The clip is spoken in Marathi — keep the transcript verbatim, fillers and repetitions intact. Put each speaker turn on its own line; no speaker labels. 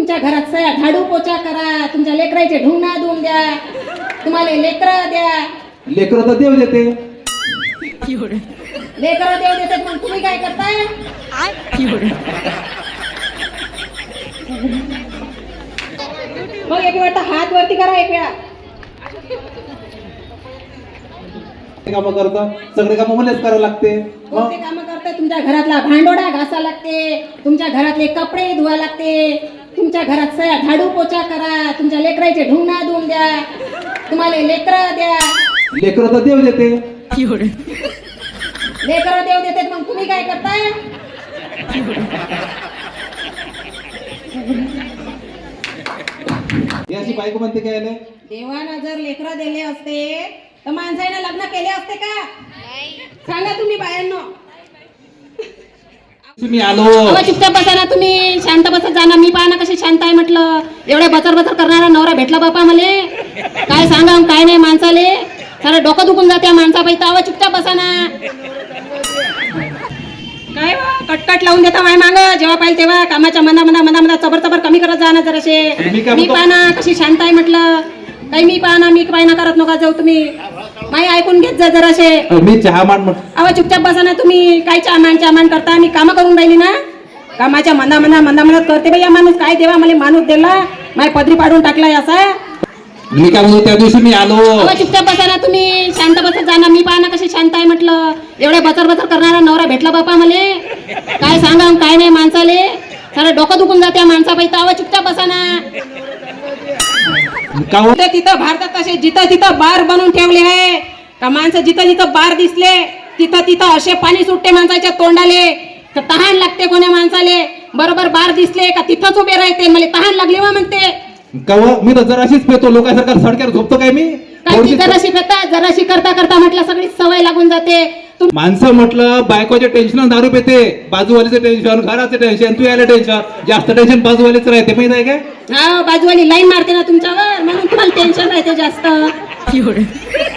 तुमच्या घरात सया झाडू पोचा करा, तुमच्या लेकराचे ढुंगणा धुवून द्या, तुम्हाला लेकरं द्या.
लेकरं तर देव देते.
लेकरं देव देतात मग तुम्ही काय करताय? मग एक वेळ हात वरती करा एक वेळा.
कामं करतं सगळे कामं मलाच करावं लागते.
कोणते काम करताय? तुमच्या घरातला भांडोडा घासा लागते, तुमच्या घरातले कपडे धुवा लागते, तुमच्या घरात सया झाडू पोचा करा, तुमच्या लेकराचे ढुंगणा धुवून द्या, तुम्हाला लेकरं द्या.
लेकरं तर देव देते.
लेकरं देव देतात मग तुम्ही काय करताय?
याची बायको म्हणते काय आले?
देवानं जर लेकरं दिले असते तर माणसाने लग्न केले असते का? सांगा तुम्ही बायांनो.
मी आलो.
अहो, चुपचाप बसा ना तुम्ही, शांत बसत जा ना. मी पहा ना कशी शांत आहे म्हटलं. एवढे बचर बचर करणारा नवरा भेटला बापा मले. काय सांगा काय नाही माणसाले, सारं डोकं दुखून जाते माणसा पैसा. अहो चुपचाप बसा ना. काय हो, कटकट लावून देता माय मांग जेव्हा पाहिजे तेव्हा. कामाच्या मना मना मना मना चबर चबर कमी करत जा ना जराशे. मी पहा ना कशी शांत आहे म्हटलं. काही मी पहा ना, मी पायना करत नका जाऊ तुम्ही. माई ऐकून घेत जा जराशे.
मी चहा मान म्हण.
अहो चुपचाप बसा ना तुम्ही. काय चामान चामान करता? मी कामं करून राहिली ना. कामाच्या मंदा मंदा मंदा मंदा करते बाई. या माणूस काय देवा मला माणूस दिला, माय पदरी पाडून टाकलाय असा.
मी काय म्हणतो त्या दिवशी मी आलो.
अहो चुपचाप बसा ना तुम्ही, शांत बसत जा ना. मी पहा ना कशी शांत आहे म्हटलं. एवढे बचर बचर करणारा नवरा भेटला बापा मले. काय सांगा काय नाही माणसाले, सारं डोकं दुखून जाते माणसा पैसा. अहो चुपचाप बसा ना. तिथं भारतात तसे जिथं तिथं बार बनवून ठेवले आहे का माणसं. जिथं जिथं बार दिसले तिथं तिथं असे पाणी सुटते माणसाच्या तोंडाले, तर तहान लागते कोण्या माणसाले. बरोबर बार दिसले का तिथंच उभे राहते, मला तहान लागली वा म्हणते.
कव मी तर जराशीच पेतो, लोकांसारखा सडक्यावर झोपतो काय मी?
काय जराशी पेता, जराशी करता करता म्हटलं सगळी सवय लागून जाते.
माणसं म्हटलं बायकोचे टेन्शन दारू पेते, बाजूवालीचं टेन्शन, घराचं टेन्शन, तू यायला टेन्शन, जास्त टेन्शन बाजूवालीच राहते माहित आहे काय?
हा बाजूवाली लाईन मारते ना तुमच्यावर, म्हणून तुम्हाला टेन्शन राहते जास्त.